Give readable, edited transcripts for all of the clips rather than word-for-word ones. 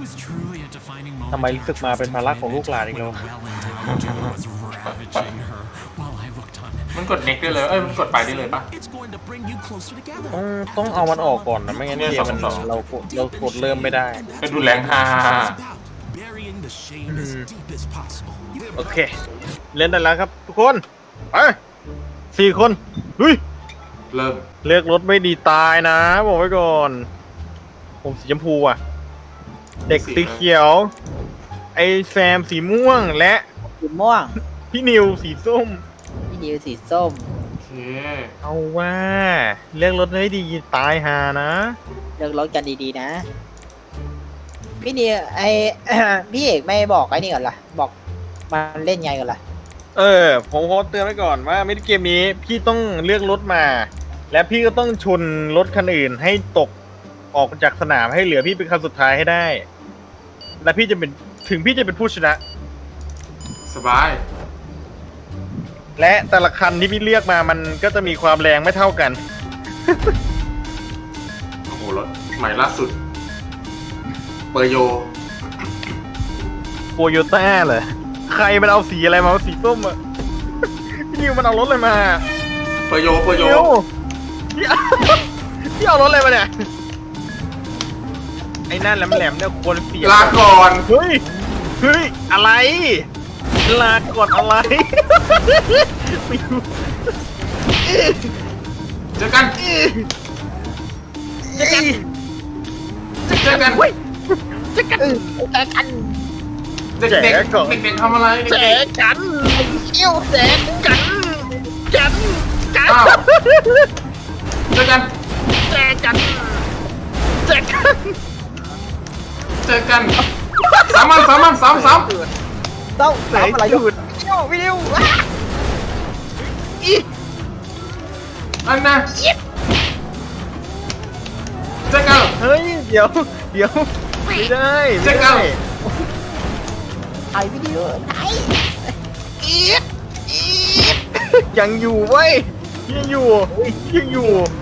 ทำไมรู้สึกมาเป็นภาระของลูกหลานอีกแล้วมันกดเน็กได้เลยมันกดไปได้เลยปะต้องเอามันออกก่อนนะไม่งั้นเนี่ยเกมมันสองเรากดเริ่มไม่ได้ก็ดูแรงฮ่าโอเค เล่นได้แล้วครับทุกคนไป4 คนลุยเริ่มเลือกรถไม่ดีตายนะบอกไว้ก่อน ผมสีชมพูอ่ะ เด็กสีเขียว ไอ้แซมสีม่วงและสีม่วงพี่นิวสีส้มพี่นิวสีส้มโอเคเอาว่าเลือกรถไม่ดีตายหานะเลือกรถกันดีๆนะ พี่นิวไอ พี่เอกไม่บอกไอ้นี่ก่อนล่ะ บอกมันเล่นไงก่อนล่ะผมขอเตือนไว้ก่อนว่ามินิเกมนี้พี่ต้องเลือกรถมา และพี่ก็ต้องชนรถคันอื่นให้ตกออกจากสนามให้เหลือพี่เป็นคันสุดท้ายให้ได้ และพี่จะเป็นถึงพี่จะเป็นผู้ชนะสบายและแต่ละคันที่พี่เลือกมามันก็จะมีความแรงไม่เท่ากันโอ้โหรถใหม่ล่าสุดเปอร์โยโตโยต้าเหรอใครมันเอาสีอะไรมาสีส้มอะ พี่นิวมันเอารถอะไรมาเปอร์โยนิวพี่ พี่เอารถอะไรมาเนี่ยไอ้นั่นแหลมๆเนี่ยควรเปลี่ยนลาก่อนเฮ้ยอะไรลาก่อนอะไร ไม่รู้เจอกันเจอกันเว้ยจะกันแจกกันเด็กๆเด็กๆทำอะไรแจเด็กกันเอี้ยวแจกันกันๆอ้าวเจอกันแจกันแจกันเจอกันสามต้องแสสามงอะไรจุดพี่นิวอันนะเจอกันเฮ้ยเดี๋ยวไม่ได้แจกันไอพี่นิวไหนยังอยู่เว้ยยังอยู่เจอ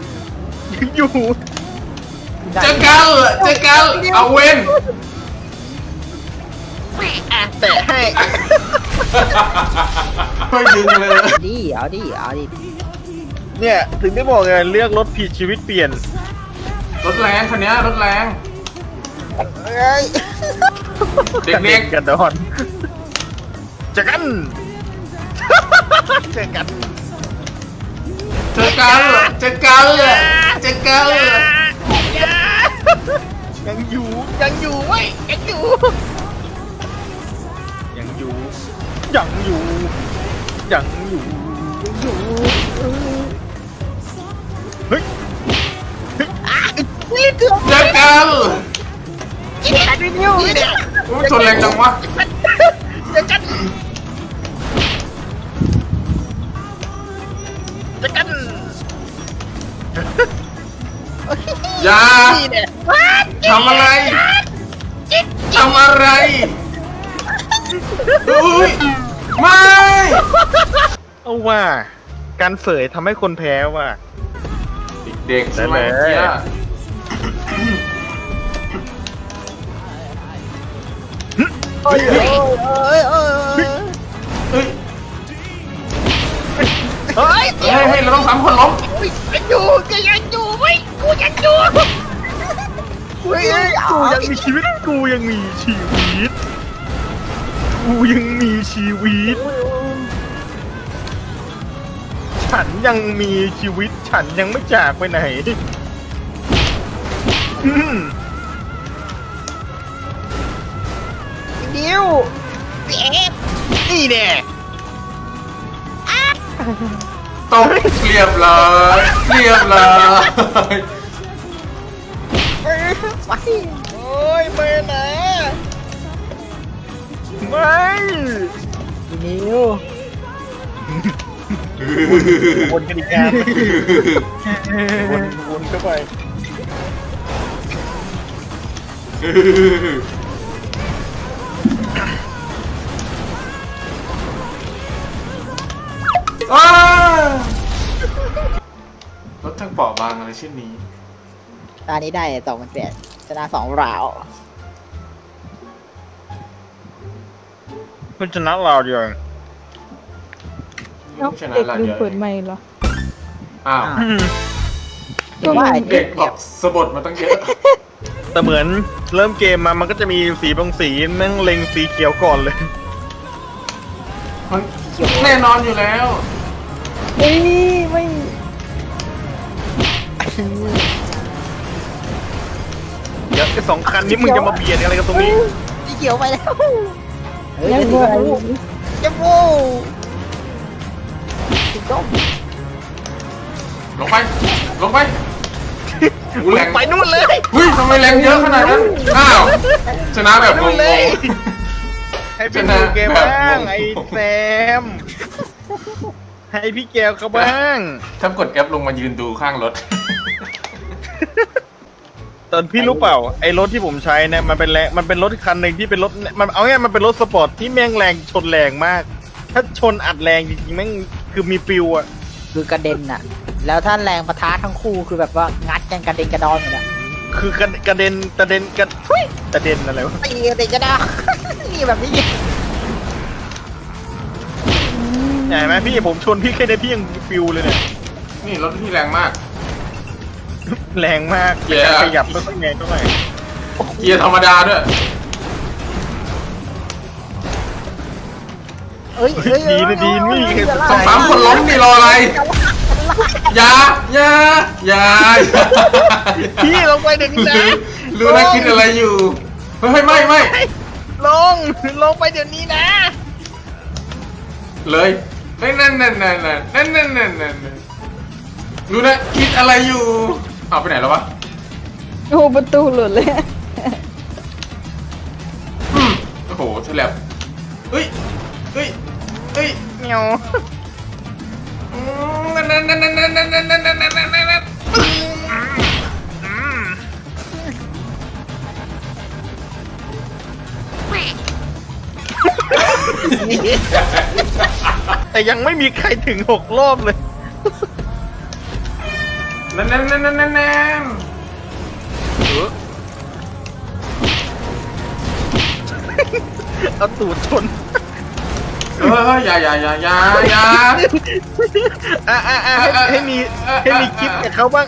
กันเอาเวนแตะให้ไม่ดึงเลยเอาดิเนี่ยถึงได้บอกไงเลือกรถผิดชีวิตเปลี่ยนรถแรงคันนี้รถแรงเอ้ยเด็กกันดอนเจอกันเจอกันๆเจอกันยังอยู่เว้ยยังอยู่เฮ้ยเจอกันพี่นิวเนี่ยมันชนแรงจังวะเจอกันอย่านี่เนี่ยทำอะไรอุ้ยไม่เอาว่าการเสยทำให้คนแพ้ว่ะเด็กๆใช่ไหมได้เลยเนี่ยเอ้ยเฮ้ยเฮ้ยเราต้องสามคนล้มยังอยู่เว้ยกูยังมีชีวิตกูยังมีชีวิต ฉันยังมีชีวิตฉันยังไม่จากไปไหนอืมนิวนี่แน่ตกเรียบร้อยไปโอ้ยไปไหนไม่พี่นิววนกันอีกงานวนเข้าไปอ้ารถทั้งเปราะบางอะไรเช่นนี้ตอนนี้ได้2,800ชนะ2 ราวมันชนะเราเดียวเอ้าชนะเด็กละลืมเยอะเปิดไมค์เหรออ้าวอืมผมว่าไอ้เด็กบอกสะบดมาตั้งเยอะแต่เหมือนเริ่มเกมมามันก็จะมีสีบางสีแม่งเล็งสีเขียวก่อนเลยมันแน่นอนอยู่แล้วเฮ้ยไม่เดี๋ยวไอ้สองคันนี้มึงจะมาเบียดอะไรกันตรงนี้สีเขียวไปแล้วเฮ้ยยังสีไงชมพูชมพูสีส้มลงไป ลงไปอู้แรงไปนู่นเลยหุ้ยทำไมแรงเยอะขนาดนั้น อ้าว ชนะแบบงนู่นเลยงให้พี่ดูเกมบ้างไอ้แซม ให้พี่แก้วเขาบ้างๆถ้ากด F ลงมายืนดูข้างรถตอนพี่รู้เปล่าไอ้รถที่ผมใช้เนี่ยมันเป็นรถคันหนึ่งที่เป็นรถมันเอาง่ายมันเป็นรถสปอร์ตที่แม่งแรงชนแรงมาก ถ้าชนอัดแรงจริงๆแม่งคือมีปิวอะคือกระเด็นน่ะ แล้วถ้าแรงปะทะทั้งคู่คือแบบว่างัดกันกระเด็นกระดอนอยู่แล้วคือกระเด็นกระเด็นอะไรวะตีกระเด็นกระดอน นี่แบบนี้ใหญ่ไหมพี่ผมชนพี่แค่ในพี่ยังปิวเลยเนี่ยนี่รถที่แรงมากแรงมากเย้แต่การขยับไม่ค่อยแรงเท่าไหร่เกียร์ธรรมดาด้วยเอ้ยเฮ้ยดีนะดีนี่สองสามคนล้มนี่รออะไร อย่า อย่า อย่าพี่ลงไปเดี๋ยวนี้นะรู้นะคิดอะไรอยู่ เฮ้ยไม่ลงไปเดี๋ยวนี้นะเลยเฮ้ยนั่นรู้นะคิดอะไรอยู่เอาไปไหนแล้ววะโอ้ประตูหลุดเลยโอ้โหฉลับเฮ้ยเมียว แต่ยังไม่มีใครถึง6 รอบเลยนั่นเอาตูดชนเอออย่าให้มีคลิปกับเขาบ้าง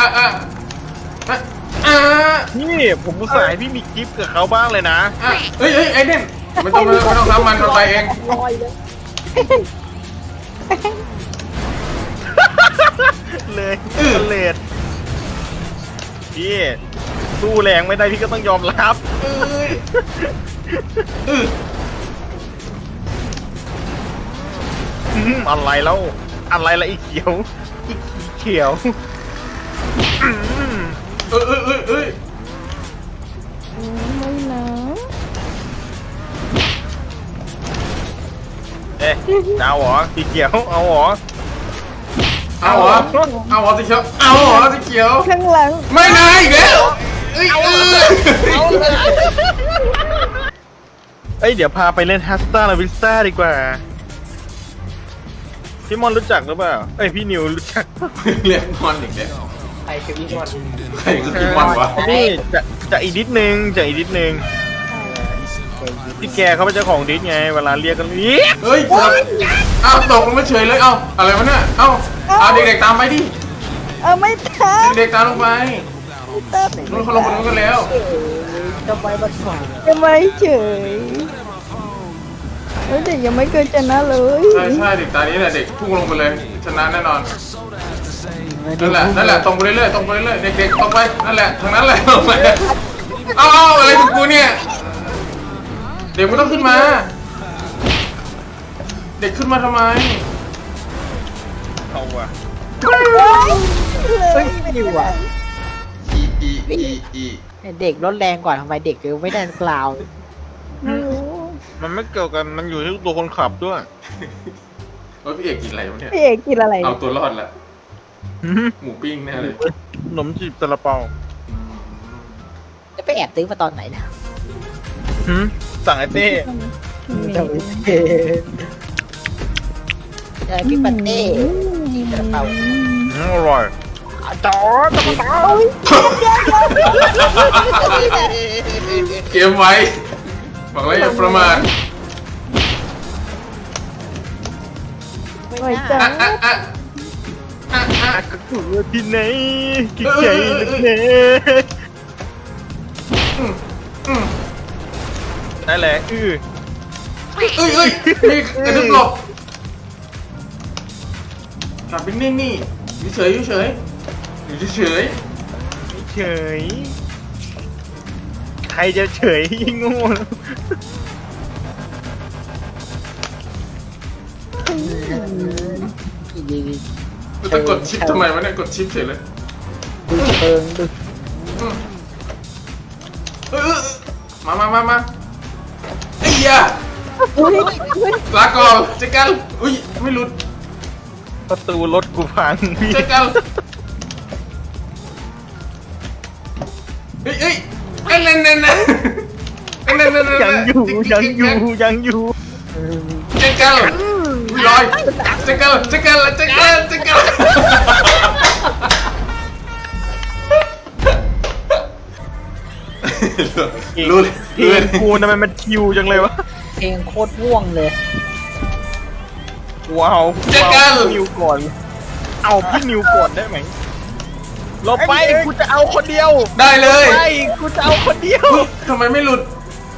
นี่ผมอุตส่าห์ให้พี่มีคลิปกับเขาบ้างเลยนะเฮ้ยไอ้เด่นไม่ต้องทำมันไปเองลอยเลยเลยเลดพี่สู้แรงไม่ได้พี่ก็ต้องยอมรับอะไรแล้วอะไรละอีเขียวอีเขียวไม่นะเอ๊ะเอาเหรอสีเขียวเอาเหรอเอาเหรอสีเขียวเอาเหรอสีเขียวข้างหลังไม่นายอีกแล้วเอ้ยเดี๋ยวพาไปเล่นฮัสตาลาวิสตาดีกว่าพี่มอนรู้จักหรือเปล่าพี่นิวรู้จักเรียกมอนอีกแล้วใครคือพี่มอนใครคือพี่มอนวะนี่จะอีกนิดนึงพี่แกเขาเป็นเจ้าของดิสไงเวลาเรียกกันเรียกเฮ้ยเอาตกลงมาเฉยเลยเอาอะไรวะเนี่ยเอาเด็กๆตามไปดิเอาไม่ทันเด็กๆตามลงไปตัดนู้นเขาลงไปนู้นกันแล้วทำไมมันฝังจะไม่เฉยเด็กยังไม่เคยชนะเลยใช่เด็กตานี้แหละเด็กพุ่งลงไปเลยชนะแน่นอนนั่นแหละตรงไปเรื่อยเด็กๆตรงไปนั่นแหละทางนั้นแหละลงไปเอาอะไรของกูเนี่ยเด็กไม่ต้องขึ้นมา เด็กขึ้นมาทำไมเอาว่ะเฮ้ยไม่อยู่อ่ะอีเด็กรถแรงกว่าทำไมเด็กถึงไม่ได้กล่าวไม่รู้มันไม่เกี่ยวกันมันอยู่ที่ตัวคนขับด้วยโอ้ยพี่เอกกินอะไรวะเนี่ยพี่เอกกินอะไรเอาตัวรอดละหมูปิ้งแน่เลยขนมจีบซาลาเปาจะไปแอบซื้อมาตอนไหนนะสั่งไอ้เต้พี่ปันเต้ที่กระเป๋าอร่อยจอดเกมไว้บอกแล้วอย่าประมาทหน่อยจ้ากระสุนที่ไหนกิ๊กใหญ่ลึกเนได้แหละเอ้ยมีกระดึ๊บหลบกลับไปนิ่งนี่อยู่เฉยอยู่เฉยอยู่เฉยเฉยใครจะเฉยยิ่งโง่มันจะกดชิปทำไมวะเนี่ยกดชิปเฉยเลยดูเชิงดูมาไอ้ยาอุ้ยลาก่อนเจ๊กันอุ้ยไม่หลุดประตูรถกูพังพี่เจ๊กันเอ้ยนั่นยังอยู่เจ๊กันลอยเจ๊กันรู้เพลงกูทำไมมันคิวจังเลยวะเพลงโคตรม่วงเลยว้าวพี่นิวก่อน เอาพี่นิวก่อนได้ไหมลบไปกูจะเอาคนเดียวได้เลยไปกูจะเอาคนเดียวทำไมไม่หลุด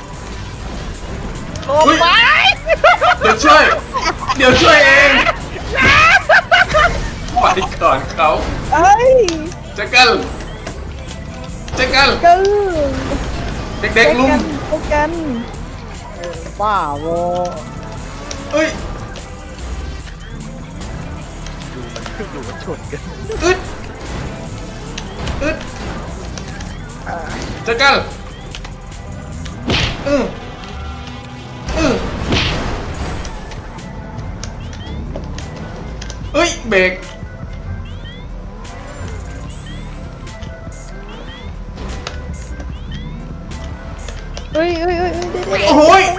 ลบไปเดี๋ยวช่วยเองไปก่อนเขาเอ้ยเจ๊กันกึ่งเด็กๆลุมพบกันบ้าโวเอ้ยดูมันชนกันอึดเจ๊กันเอ้ยเบรกเอ้ยเดี๋ยวโอ้ย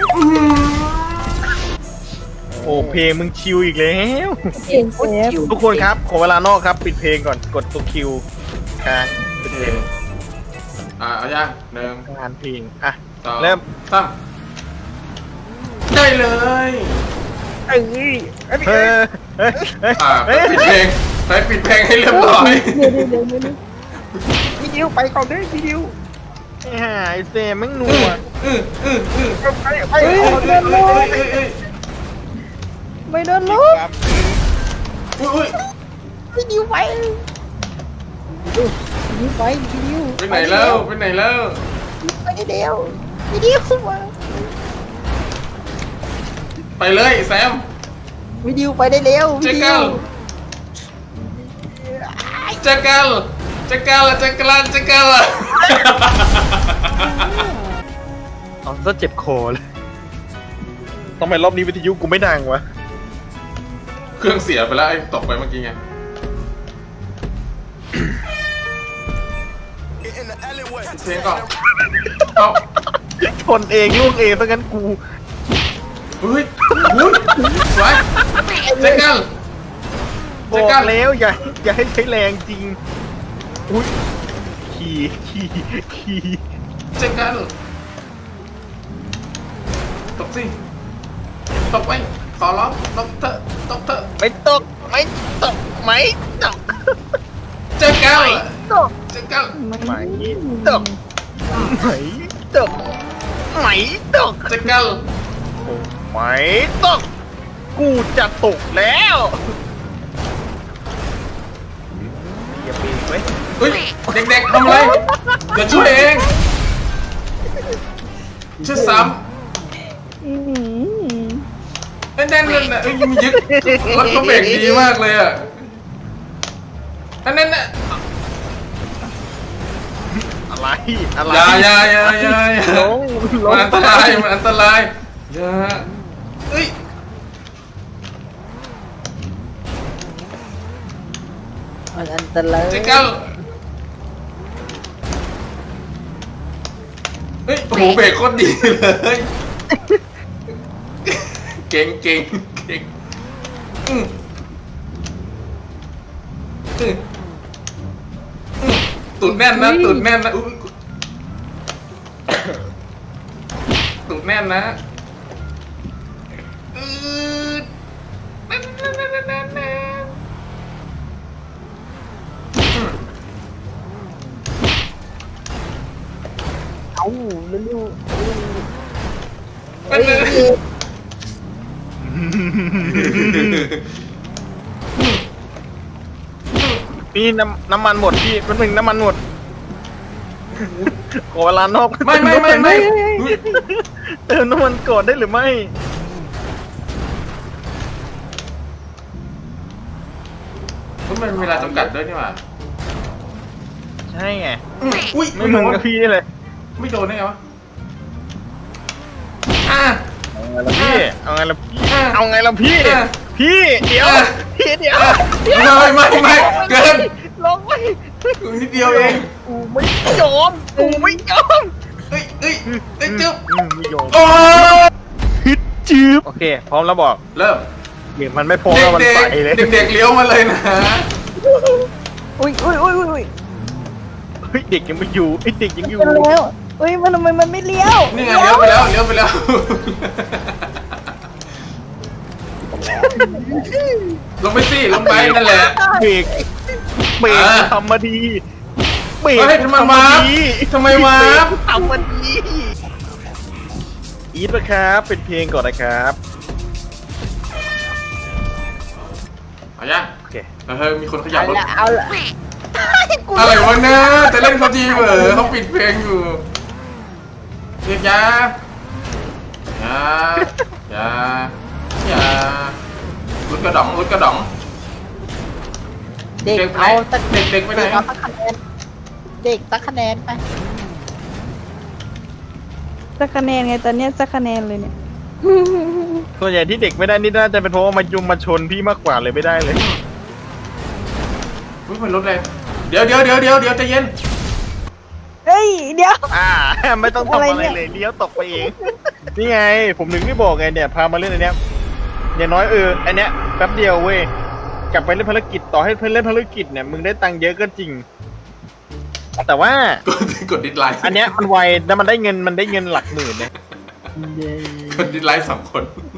โอ้เพลงมึงคิวอีกแล้วเพลงโคตรคิวทุกคนครับขอเวลานอกครับปิดเพลงก่อนกดตัวคิวค้างปิดเพลงเอาย่างหนึ่งงานเพลงอ่ะสองเริ่มสามได้เลยเฮ้ยปิดเพลงปิดเพลงให้เรียบร้อยเดี๋ยวพี่ดิวไปก่อนด้วยพี่ดิวไอ้เซมมึงหนัวเฮ้ยโดนลบไม่โดนลบอุ้ยพี่ดิวไปพี่ดิวไปพี่ดิวไปไหนแล้วไปเดียวพี่ดิวมาไปเลยแซมพี่ดิวไปได้เร็วเจ๊พี่ดิกัวลเจ๊กัลเอาซะเจ็บคอเลยทำไมรอบนี้วิทยุกูไม่ดังวะเครื่องเสียไปแล้วไอ้ตกไปเมื่อกี้ไงเพลงก่อนเอาชนเองลูกเองเพราะงั้นกูเฮ้ยสวยเจ๊กัลบอกแล้วอย่าให้ใช้แรงจริงอุ้ยขี่เจ๊กัลตกสิตกไปขอร้องตกเถอะไม่ตกเจ๊กัลไม่ตกไม่ตกเจ๊กัลไม่ตกกูจะตกแล้วอย่าปีนไว้เฮ้ยเด็กๆทำอะไรเดี๋ยวช่วยเองช่วยซ้ำนั่นน่ะมียึดรถเขาเบรกดีมากเลยอ่ะนั่นน่ะอะไรอย่าลงมันอันตรายอย่าเอ้ยมันอันตรายเจ๊กัลเฮ้ยโอ้โหเบรกโคตรดีเลยเก่งตุดแน่นนะอุ๊ยตุดแน่นนะเอาเร็วเป็นเลยพี่น้ำมันหมดพี่เป็นหนึ่งน้ำมันหมดขอเวลานอกไม่เติมน้ำมันก่อนได้หรือไม่มันมีเวลาจำกัดด้วยนี่หว่าใช่ไงอุ้ยไม่เหมือนกับพี่เลยไม่โดนได้ไงวะอ่ะเอาไงล่ะพี่เอาไงล่ะพี่อ่ะพี่เดี๋ยวอ่ะพี่เดี๋ยวไม่เกินลงไปนิดเดียวเองกูไม่ยอมกูไม่ยอมเฮ้ยจึ๊บไม่ยอมโอ้ยฮึดจืบโอเค พร้อมแล้วบอกเริ่มเดี๋ยวมันไม่พร้อมแล้วมันไปเลยเด็กเลี้ยวมาเลยนะอุ้ยอุ้ยอุ้ยอุ้ยเฮ้ยเด็กยังไม่อยู่ไอ้เด็กยังอยู่เป็นแล้วอุ้ยมันทำไมมันไม่เลี้ยวนี่ไงเลี้ยวไปแล้วลงไปสิลงไปนั่นแหละเบรกทำมาดีเบรกเฮ้ยทำไมวะทำไมวะทำมาดีอีทนะครับเป็นเพลงก่อนนะครับเอายังโอเคเฮ้ยมีคนขยับรถเอาละอะไรวะเนี่ยจะเล่นเขาทีเหรอเขาปิดเพลงอยู่เรียกยารุดกระดองเด็กเอาสักเด็กไปไหนเด็กเอาสักคะแนนเด็กสักคะแนนไปสักคะแนนไงตอนเนี้ยสักคะแนนเลยเนี่ยส่วนใหญ่ที่เด็กไม่ได้นี่น่าจะเป็นเพราะว่ามายุมมาชนพี่มากกว่าเลยไม่ได้เลยอุ้ยมันรถแรงเดี๋ยวใจเย็นเฮ้ยเดี๋ยวไม่ต้องทำอะไรอะไรเนี่ยเลยเลี้ยวตกไปเอง นี่ไง ผมถึงไม่บอกไงเนี่ยพามาเล่นอันเนี้ยอย่างน้อยอันเนี้ยแป๊บเดียวเว้ยกลับไปเล่นภารกิจต่อให้เพื่อนเล่นภารกิจเนี่ยมึงได้ตังค์เยอะก็จริง แต่ว่ากดดิสไลค์อันเนี้ยมันไวแล้วมันได้เงินหลักหมื่นเนี่ยกดดิสไลค์2 คน